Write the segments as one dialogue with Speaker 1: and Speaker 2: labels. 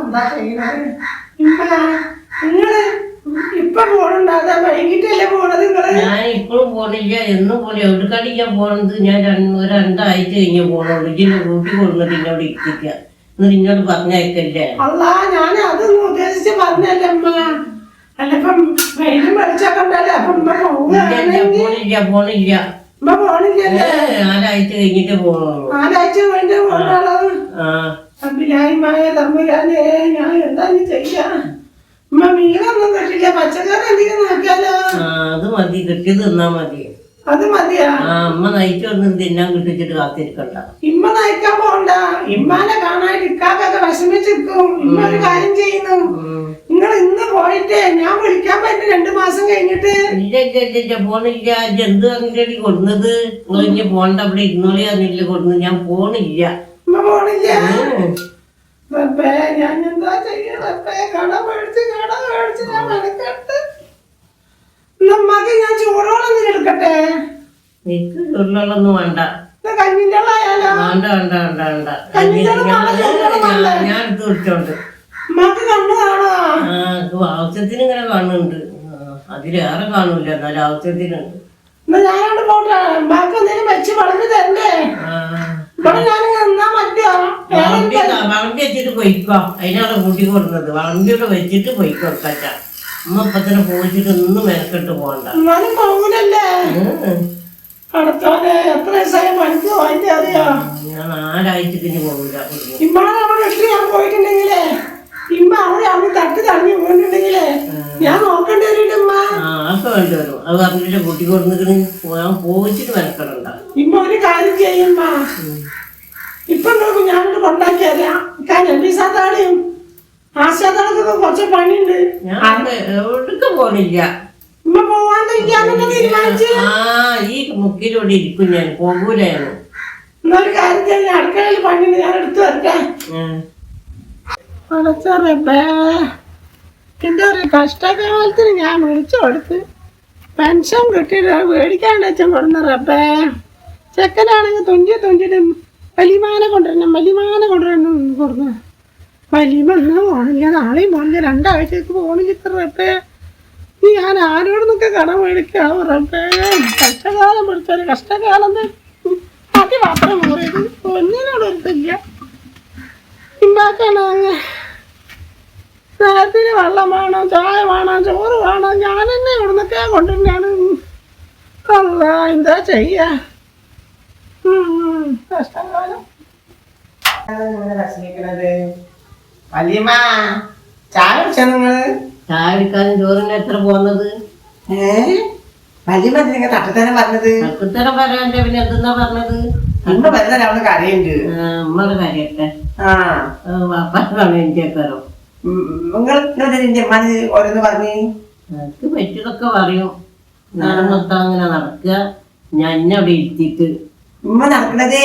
Speaker 1: എന്താ ചെയ്യണത്? നിങ്ങള് ഇപ്പൊ പോണുണ്ടാകാ വൈകിട്ടല്ലേ പോണത് നിങ്ങള്?
Speaker 2: ഞാൻ ഇപ്പോഴും പോണില്ല, എന്നും പോലെ എവിടെക്കാടി ഞാൻ പോണത്. ഞാൻ രണ്ടാഴ്ച കഴിഞ്ഞ് പോണുള്ളൂ. ഇതിന്റെ കൂട്ടി കൊടുന്നിട്ട് ഇന്നോട് ഇരിക്കുക, എന്നിട്ട് ഇന്നോട് പറഞ്ഞയക്കല്ലേ.
Speaker 1: അല്ലാ, ഞാൻ അതൊന്നും ഉദ്ദേശിച്ച് പറഞ്ഞല്ലേ അമ്മ. അല്ലപ്പം വെയിലും വെളിച്ചൊക്കെ ഉണ്ടല്ലേ. അപ്പൊ
Speaker 2: പോണില്ല പോണില്ല
Speaker 1: അമ്മ പോണില്ലല്ലേ?
Speaker 2: 4 ആഴ്ച കഴിഞ്ഞിട്ട് പോണുള്ളൂ.
Speaker 1: 4 ആഴ്ച കഴിഞ്ഞിട്ട് പോണുള്ളത്. അഭിലായിമായ തമ്പുരാനെ, ഞാൻ എന്താ ചെയ്യാ? അമ്മ മീനൊന്നും കിട്ടില്ല, പച്ചക്കറി എന്തെങ്കിലും നോക്കിയാലോ?
Speaker 2: അത് മതി, കിട്ടിയത് തിന്നാ മതി.
Speaker 1: അത് മതിയാ?
Speaker 2: അമ്മ നയിച്ചു വന്ന് തിന്നാൻ കിട്ടിച്ചിട്ട് കാത്തിരിക്കണ്ട.
Speaker 1: ഇമ്മ നയിക്കാൻ പോണ്ട. ഇമ്മാനെ കാണാൻ ഇക്കാക്കൊക്കെ വിഷമിച്ചിരിക്കും. ഇമ്മ ഒരു കാര്യം ചെയ്യുന്നു, നിങ്ങൾ ഇന്ന് പോയിട്ട് ഞാൻ വിളിക്കാൻ പറ്റും 2 മാസം കഴിഞ്ഞിട്ട്.
Speaker 2: ഇല്ല പോണില്ല. എന്ത് പറഞ്ഞിട്ടടി കൊടുന്നത്? ഇനി പോണ്ട, അവിടെ ഇരുന്നോളി പറഞ്ഞില്ല കൊടുന്നത്. ഞാൻ പോണില്ല.
Speaker 1: ഇമ്മ പോണില്ല? റബ്ബേ, ഞാൻ എന്താ ചെയ്യാ റബ്ബേ? കട മേടിച്ച് ഞാൻ മെനക്കെട്ട്. നമ്മക്ക് ഞാൻ ചൂടോളൊന്നും എടുക്കട്ടെ?
Speaker 2: എനിക്ക് ചൂടുള്ളൊന്നും വേണ്ട.
Speaker 1: കഞ്ഞിന്റെ ആയാലോ?
Speaker 2: വേണ്ട വേണ്ട വേണ്ട വേണ്ട. ഞാൻ എടുത്ത് വിളിച്ചോണ്ട്.
Speaker 1: ഉമ്മക്ക് കണ്ണു കാണോ?
Speaker 2: ആവശ്യത്തിന് ഇങ്ങനെ കാണുന്നുണ്ട്, അതിലേറെ കാണൂല, എന്നാലും ആവശ്യത്തിനുണ്ട്.
Speaker 1: ഞാനോട് പോട്ടെ. ഉമ്മക്ക് എന്തെങ്കിലും വെച്ച് വളർന്നു തരണ്ടേ? ഇവിടെ ഞാനിങ്ങനെ നിന്നാ മതിയോ?
Speaker 2: വളണ്ടി വെച്ചിട്ട് പൊയ്ക്കോ. അതിനാണ് കൂട്ടി കൊടുക്കുന്നത്. വളണ്ടിയോടെ വെച്ചിട്ട് പൊയ്ക്കോ. കച്ച അമ്മ ഇപ്പത്തന്നെ പോയിച്ചിട്ട് ഒന്നും മെനക്കെട്ട് പോകണ്ട.
Speaker 1: എന്നാലും പോകൂലല്ലേ? അടുത്തോടെ എത്ര ദിവസമായി പണിക്ക് പോയിട്ട് അറിയോ?
Speaker 2: ഞാൻ 4 ആഴ്ചക്ക് ഇനി പോകില്ല.
Speaker 1: ഇമ്മാനെ അവിടെ ഇട്ട് ഞാൻ പോയിട്ടുണ്ടെങ്കിലേ, ഇമ്മ അവിടെ തട്ടി തടഞ്ഞു പോയിട്ടുണ്ടെങ്കിലേ ഞാൻ നോക്കേണ്ടി വരും. ഇമ്മ
Speaker 2: അതൊക്കെ വേണ്ടി വരും. അത് പറഞ്ഞിട്ട് കൂട്ടി കൊടുത്തിട്ട് ഞാൻ പോയിച്ചിട്ട് മെനക്കെടണ്ട.
Speaker 1: ഇമ്മ ഒരു കാര്യം ചെയ്യുമ്മ, ഇപ്പൊ നോക്കും ഞാനോട് കൊണ്ടാക്കിയറിയാം. നബീസാത്താടെയും ആശാത്താടൊക്കെ കുറച്ച് പണിയുണ്ട്.
Speaker 2: ഞാൻ എവിടേക്ക് പോണില്ല.
Speaker 1: ഇമ്മ പോവാണ്ടിരിക്കാന്നൊക്കെ തീരുമാനിച്ചു.
Speaker 2: ഈ മുക്കിലൂടെ ഇരിക്കും, ഞാൻ പോകൂലായിരുന്നു.
Speaker 1: എന്നൊരു കാര്യം ചെയ്യാൻ, അടുക്കളയിൽ പണിയുണ്ട്, ഞാൻ എടുത്തു വരട്ടെ. അടച്ചറപ്പേ, എന്റെ ഒരു കഷ്ടകാലത്തിന് ഞാൻ വിളിച്ചു കൊടുത്ത് പെൻഷൻ കിട്ടിയിട്ട് മേടിക്കാണ്ട് വെച്ചാൽ കൊടുന്നറപ്പേ. ചെക്കനാണെങ്കിൽ തുഞ്ചിട്ട് വലിമാനെ കൊണ്ടുവരണം കൊടുന്നു. വലിയ ഒന്നും പോണില്ല, നാളെയും പോണില്ല, 2 ആഴ്ചക്ക് പോണില്ല. റബ്ബേ, നീ ഞാൻ ആരോടൊന്നൊക്കെ കടം മേടിക്കാവോ റബ്ബേ? കഷ്ടകാലം പിടിച്ചൊരു കഷ്ടകാലം അതി മാത്രം കൂറിയത് ഒന്നിനോടൊരുത്തില്ല. ഇമ്പാക്കാണ് നേരത്തിന് വെള്ളം വേണം, ചായ വേണം, ചോറ് വേണം. ഞാൻ തന്നെ ഇവിടുന്നൊക്കെ കൊണ്ടുതന്നെയാണ്. അല്ല, എന്താ ചെയ്യാ? കഷ്ടകാലം. വലിയമ്മ ചായ കുടിച്ചാ നിങ്ങള്?
Speaker 2: ചായ കുടിക്കാനും ചോറിന് എത്ര പോകുന്നത്?
Speaker 1: വലിയമ്മ നിങ്ങൾ തട്ടത്തന്നെ പറഞ്ഞത്?
Speaker 2: തട്ടത്തരം പറയാൻ്റെ പിന്നെ എന്തെന്നാ പറഞ്ഞത്?
Speaker 1: ഇമ്മ വരുന്ന അവിടെ കരയുണ്ട്.
Speaker 2: ഉമ്മയുടെ കാര്യട്ടെ. വാപ്പാണ് എൻ്റെ കയറും.
Speaker 1: നിന്റെ അമ്മാന് ഓരോന്ന് പറഞ്ഞു?
Speaker 2: എനിക്ക് പറ്റിയതൊക്കെ പറയും. നേരം മൊത്തം അങ്ങനെ നടക്കുക, ഞാൻ എന്നെ അവിടെ ഇരുത്തിയിട്ട്.
Speaker 1: ഉമ്മ നടക്കണതേ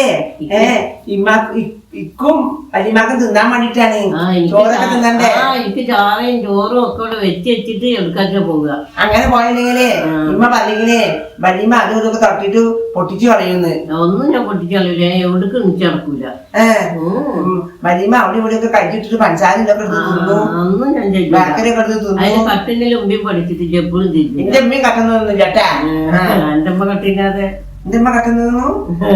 Speaker 1: ഇക്കും വലിയമാക്കും തിന്നാൻ വേണ്ടിട്ടാണ്. ചോറൊക്കെ തിന്നണ്ടേ?
Speaker 2: എനിക്ക് ചാറയും ചോറും ഒക്കെ ഇവിടെ വെച്ചിട്ട് എടുക്കാച്ച പോവുക.
Speaker 1: അങ്ങനെ പോയില്ലെങ്കിലേ ഉമ്മ പറഞ്ഞെങ്കിലേ വലിയമ്മ അതും ഇതൊക്കെ തൊട്ടിട്ട് പൊട്ടിച്ചു കളയുന്നു.
Speaker 2: ഒന്നും ഞാൻ പൊട്ടിച്ചു കളയൂല, എവിടേക്ക് എണിച്ച് നടക്കൂല.
Speaker 1: വലിയമ്മ അവിടെ ഇവിടെ ഒക്കെ കഴിച്ചിട്ട് പഞ്ചാര ഇതൊക്കെ എടുത്ത് തിന്നു.
Speaker 2: ഒന്നും ഞാൻ
Speaker 1: ബേക്കറിയൊക്കെ എടുത്ത് തിന്നു.
Speaker 2: അതിന് കട്ടിന്റെ ഉമ്പിയും പഠിച്ചിട്ട് എപ്പോഴും തിന്നു.
Speaker 1: എന്റെ ഉമ്മയും കട്ടുന്നൊന്നും ചേട്ടാ.
Speaker 2: എന്റെ അമ്മ കട്ടില്ലാതെ
Speaker 1: എന്റെ ഉമ്മ കട്ടുന്നു.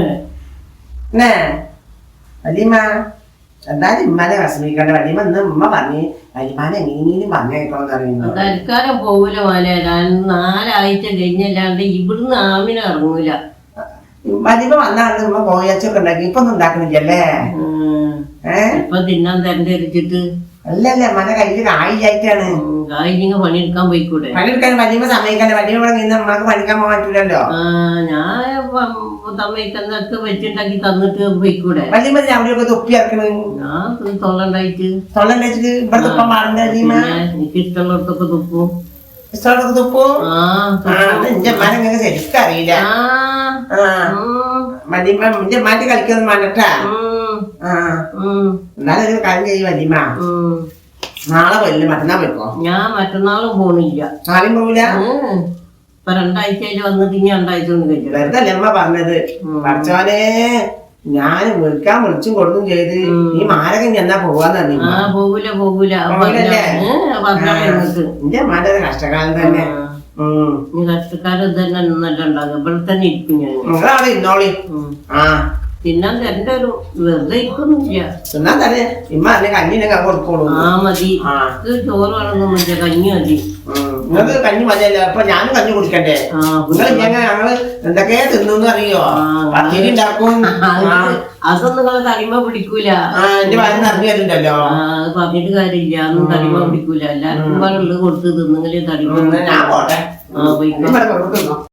Speaker 1: വലിയമ്മ എന്തായാലും ഇമ്മാനെ വിഷമിക്കണ്ട. വലിയമ്മ ഇന്ന് ഉമ്മ പറഞ്ഞ് വലിയമാനെ എങ്ങനെയും പറഞ്ഞേക്കണമെന്ന് അറിയുന്നു.
Speaker 2: തൽക്കാലം പോകൂല മോനെ. 4 ആഴ്ച കഴിഞ്ഞല്ലാണ്ട് ഇവിടുന്ന് ആമിനെ ഇറങ്ങൂല.
Speaker 1: വലിയമ്മ വന്നാണ് ഉമ്മ കോയച്ചൊക്കെ ഉണ്ടാക്കി. ഇപ്പൊ ഒന്നും ഉണ്ടാക്കണില്ലല്ലേ?
Speaker 2: ഇപ്പൊ തിന്നാൻ തരണ്ടിരിച്ചിട്ട്
Speaker 1: അല്ലല്ല അമ്മന്റെ കയ്യില് കായില്ലായിട്ടാണ്.
Speaker 2: കായില്ലെങ്കിൽ പണിയെടുക്കാൻ പോയിക്കൂടെ?
Speaker 1: പണിയെടുക്കാൻ വലിയമ്മ സമ്മതിക്കണ്ട. വലിയമ്മ ഇവിടെ നിന്ന് അമ്മക്ക് പണിക്കാൻ പോകാൻ പറ്റൂലല്ലോ.
Speaker 2: ഞാൻ തമ്മയ്ക്കൊക്കെ വെച്ചുണ്ടാക്കി തന്നിട്ട് പോയിക്കൂടെ?
Speaker 1: വലിയമ്മ അവിടെയൊക്കെ തൊപ്പി ഇറക്കണ്.
Speaker 2: ഞാൻ തൊള്ളണ്ടായിട്ട്
Speaker 1: ഇവിടെ തുപ്പാൻ പാടില്ല.
Speaker 2: എനിക്ക് ഇഷ്ടമുള്ളടത്തൊക്കെ തുപ്പും.
Speaker 1: ഇഷ്ടമുള്ളതൊക്കെ തുപ്പും. എന്റെ അമ്മാനെ നിങ്ങൾക്ക് ശരിക്കും അറിയില്ല. വലിയമ്മ എന്റെ അമ്മാന്റെ കളിക്കൊന്നും വേണ്ടട്ടാ. എന്നാലും ഒരു കാര്യം ചെയ്യും വലിയമ്മ, നാളെ പോയില്ല മറ്റന്നാൾ പോയിക്കോ.
Speaker 2: ഞാൻ മറ്റന്നാളും പോണില്ല.
Speaker 1: നാളെയും പോവില്ല?
Speaker 2: ഇപ്പൊ 2 ആഴ്ച വന്നിട്ട് ഇനി 2 ആഴ്ച കൊണ്ട് കഴിച്ചു.
Speaker 1: വെറുതെ അമ്മ പറഞ്ഞത്. പഠിച്ചോനെ ഞാൻ വിളിക്കാൻ വിളിച്ചും കൊടുക്കും ചെയ്ത് ഈ മാരകൻ എന്നാ പോവാന്ന് പറഞ്ഞു.
Speaker 2: ആ പോകൂല
Speaker 1: എന്റെ അമ്മാന്റെ ഒരു കഷ്ടകാലം തന്നെ.
Speaker 2: നീ കഷ്ടക്കാലം തന്നെ നിന്നല്ല ഉണ്ടാകും. ഇവിടെ തന്നെ ഇരിക്കും ഞാൻ.
Speaker 1: നിങ്ങളവിടെ ഇരുന്നോളി. ആ
Speaker 2: തിന്നാൻ തരണ്ട ഒരു വെറുതെ ഇരിക്കൊന്നുമില്ല.
Speaker 1: തിന്നാൻ തന്നെ ഇമ്മ അല്ലെ കഞ്ഞിനൊക്കെ കൊടുക്കോളൂ.
Speaker 2: ആ മതി. ചോറ് വേണമെന്നൊന്നുമില്ല, കഞ്ഞി മതി.
Speaker 1: നിങ്ങൾക്ക് കഞ്ഞി മതിയല്ലോ. അപ്പൊ ഞാനും കഞ്ഞി കുടിക്കണ്ടേ? നിങ്ങൾ ഞങ്ങള് എന്തൊക്കെയാ തിന്നു അറിയോ? പത്തിരി ഉണ്ടാക്കും.
Speaker 2: അതൊന്നും നിങ്ങളെ തടിമ പിടിക്കൂല.
Speaker 1: എന്റെ വയറ് നിറഞ്ഞു വരുന്നുണ്ടല്ലോ.
Speaker 2: അത് പറഞ്ഞിട്ട് കാര്യമില്ല. അതൊന്നും തടിമ പിടിക്കൂല. എല്ലാവർക്കും ഉള്ളത് കൊടുത്ത് തിന്നെങ്കിലേ തടിമ.
Speaker 1: ഞാൻ പോട്ടെ.
Speaker 2: ആ പോയിക്കോ.